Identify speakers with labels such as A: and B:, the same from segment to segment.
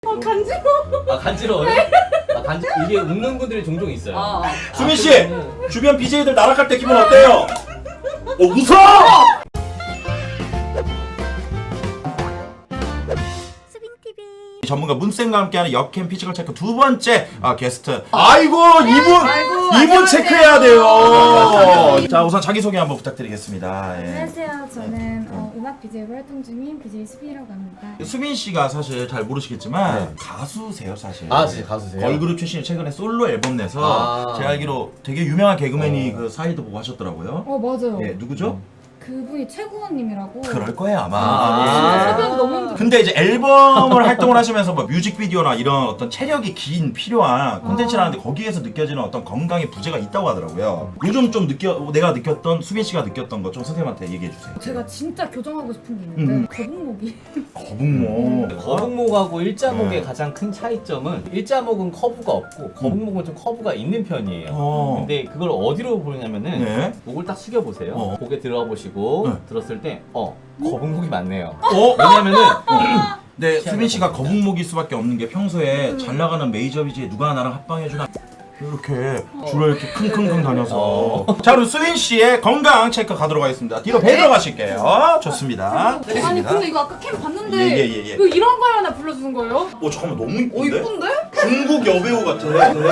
A: 간지러워.
B: 간지러워요? 이게 웃는 분들이 종종 있어요.
C: 수민 씨, 주변 BJ들 나락할 때 기분 어때요? 웃어! 전문가 문쌤과 함께하는 역캠 피지컬 체크 두 번째 게스트. 아이고 이분 체크해야 돼요. 자 우선 자기 소개 한번 부탁드리겠습니다. 예.
A: 안녕하세요. 저는 음악 BJ로 활동 중인 BJ 수빈이라고 합니다.
C: 수빈 씨가 사실 잘 모르시겠지만 가수세요 사실.
B: 진짜 가수세요?
C: 걸그룹 출신이 최근에 솔로 앨범 내서 제가 알기로 되게 유명한 개그맨이 그 사이드 보고 하셨더라고요.
A: 맞아요.
C: 예, 누구죠?
A: 그분이 최고원님이라고.
C: 그럴 거예요 아마.
A: 진짜 섭외하기 너무 힘들어.
C: 근데 이제 앨범을 활동을 하시면서 뭐 뮤직비디오나 이런 어떤 체력이 긴 필요한 콘텐츠를 하는데 거기에서 느껴지는 어떤 건강의 부재가 있다고 하더라고요. 요즘 좀 내가 느꼈던 수빈 씨가 느꼈던 거 좀 선생님한테 얘기해 주세요.
A: 제가 진짜 교정하고 싶은 게 있는데 거북목이.
C: 거북목.
B: 거북목하고 일자목의 가장 큰 차이점은 일자목은 커브가 없고 거북목은 좀 커브가 있는 편이에요. 근데 그걸 어디로 보냐면은
C: 네.
B: 목을 딱 숙여 보세요. 목에 들어가 보시고 들었을 때 거북목이 많네요. 왜냐면은
C: 네, 수빈 씨가 거북목일 수밖에 없는 게 평소에 잘 나가는 메이저 BJ 누가 나랑 합방해주나 이렇게 줄을 이렇게 킁킁킁 다녀서. 자 그럼 수빈 씨의 건강 체크 가도록 하겠습니다. 뒤로 배 들어가실게요. 좋습니다.
A: 아니 근데 이거 아까 캠 봤는데
C: 예.
A: 이거 이런 거 하나 불러주는 거예요?
C: 잠깐만 너무 이쁜데?
A: 이쁜데?
C: 중국 여배우 같아.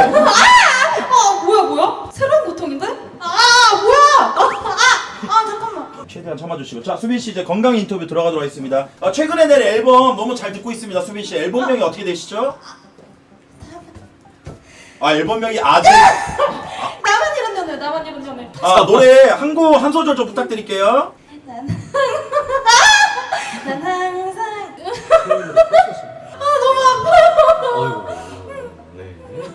A: 뭐야? 새로운 고통인데? 뭐야? 잠깐만.
C: 최대한 참아주시고. 자 수빈 씨 이제 건강 인터뷰 들어가도록 하겠습니다. 최근에 낸 앨범 너무 잘 듣고 있습니다. 수빈 씨 앨범명이 어떻게 되시죠? 앨범명이 아직.
A: 나만 이런 연애.
C: 노래 한 소절 좀 부탁드릴게요.
A: 난 항상.
B: 어이구. 네.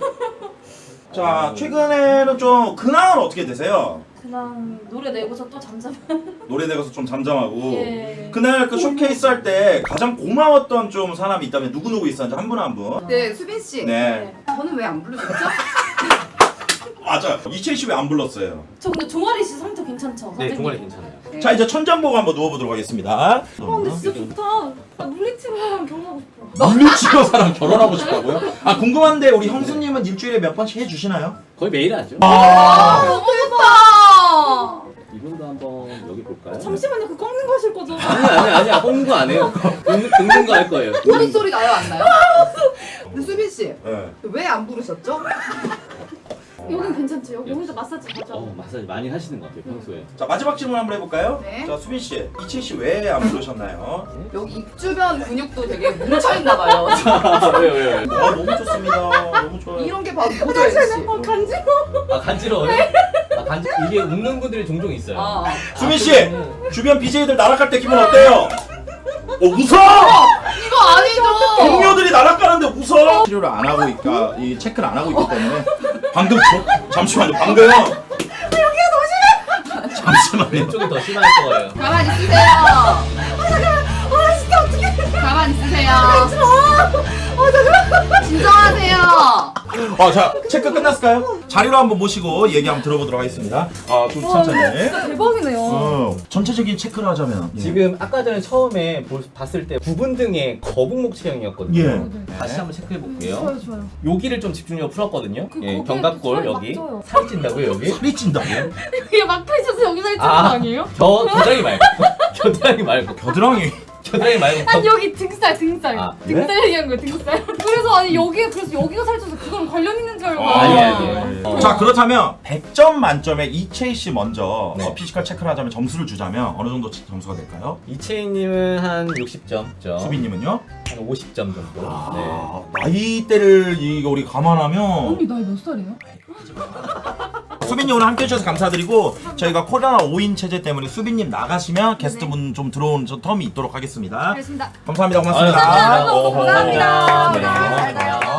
C: 자 최근에는 좀 근황은 어떻게 되세요?
A: 그냥 노래 내고서 또 잠잠.
C: 노래 내가서 좀 잠잠하고.
A: 예.
C: 그날 그 쇼케이스 할 때 가장 고마웠던 좀 사람이 있다면 누구 있었는지 한 분 한 분.
D: 네, 수빈 씨.
C: 네.
D: 저는 왜 안 부르셨죠?
C: 맞아. 이채희 씨 왜 안 불렀어요?
A: 저 근데 종아리 씨 상태 괜찮죠?
B: 네,
A: 선생님?
B: 종아리 괜찮아요.
C: 자 이제 천장 보고 한번 누워보도록 하겠습니다.
A: 근데 진짜 좋다. 물리치료랑 경험하고 싶어.
C: 물리치료사랑 결혼하고 싶다고요? 궁금한데 우리 형수님은 일주일에 몇 번씩 해주시나요?
B: 거의 매일 하죠.
A: 너무 좋다.
B: 이분도 한번 여기 볼까요?
A: 잠시만요. 그 꺾는 거 하실 거죠?
B: 아니야. 꺾는 거 안 해요. 긁는 거 할 거예요.
D: 보는 소리 나요, 안 나요? 근데 수빈 씨,
C: 네.
D: 왜 안 부르셨죠?
A: 여긴 괜찮죠? 여기 혼자 마사지 하죠.
B: 마사지 많이 하시는 것 같아요, 평소에.
C: 자 마지막 질문 한번 해볼까요?
D: 네.
C: 자 수빈 씨, 이채희 씨 왜 안 부르셨나요?
D: 여기 입 주변 근육도 되게 뭉쳐있나 봐요.
B: 왜요?
C: 너무 좋습니다. 너무 좋아요.
D: 이런 게 바로 모델 씨.
A: 간지러워.
B: 간지러워요? 이게 웃는 분들이 종종 있어요.
C: 수빈 씨, 주변 BJ들 나락할 때 기분 어때요? 웃어!
D: 이거 아니죠?
C: 동료들이 나락가는데 웃어! 치료를 안 하고 있까, 이 체크를 안 하고 있기 때문에 방금 잠시만요. 방금 여기가 더 심해. 잠시만요.
B: 이쪽이 더 심할 거예요.
D: 가만히 있으세요.
A: 진짜 어떡해.
D: 가만히 있으세요.
A: 잠깐만.
D: 진정하세요.
C: 자 체크 끝났을까요? 자리로 한번 모시고 얘기 한번 들어보도록 하겠습니다. 좀 천천히.
A: 진짜 대박이네요.
C: 전체적인 체크를 하자면
B: 지금 아까 전에 처음에 봤을 때 부분 등의 거북목 체형이었거든요.
C: 예.
B: 다시 한번 체크해 볼게요.
A: 좋아요.
B: 여기를 좀 집중력을 풀었거든요.
A: 거기에
B: 견갑골
A: 살이
B: 여기
A: 막 쪄요.
B: 살이 찐다고요 여기?
C: 살이 찐다고요?
A: 이게 막혀있어서 여기 살찌는 거 아니에요?
B: 겨드랑이 말고 겨드랑이 말고
C: 겨드랑이.
B: 겨드랑이 말고
A: 아니 여기 등살.
C: 네?
A: 등살 얘기한 거예요, 등살. 그래서 여기가 살쪄서 그거랑 관련 있는 줄 알고.
B: 아니.
C: 자 그렇다면 100점 만점에 이채희 씨 먼저 피지컬 체크를 하자면 점수를 주자면 어느 정도 점수가 될까요?
B: 이채희님은 한 60점.
C: 수빈님은요?
B: 한 50점 정도.
C: 나이대를 이거 우리 감안하면
A: 언니 나이 몇 살이에요?
C: 수빈님 오늘 함께 해주셔서 감사드리고 저희가 코로나 5인 체제 때문에 수빈님 나가시면 게스트분 좀 들어온 텀이 있도록 하겠습니다.
A: 알겠습니다.
C: 감사합니다. 고맙습니다.
B: 감사합니다.
C: 어허.
A: 감사합니다.
C: 네.
A: 잘 가요.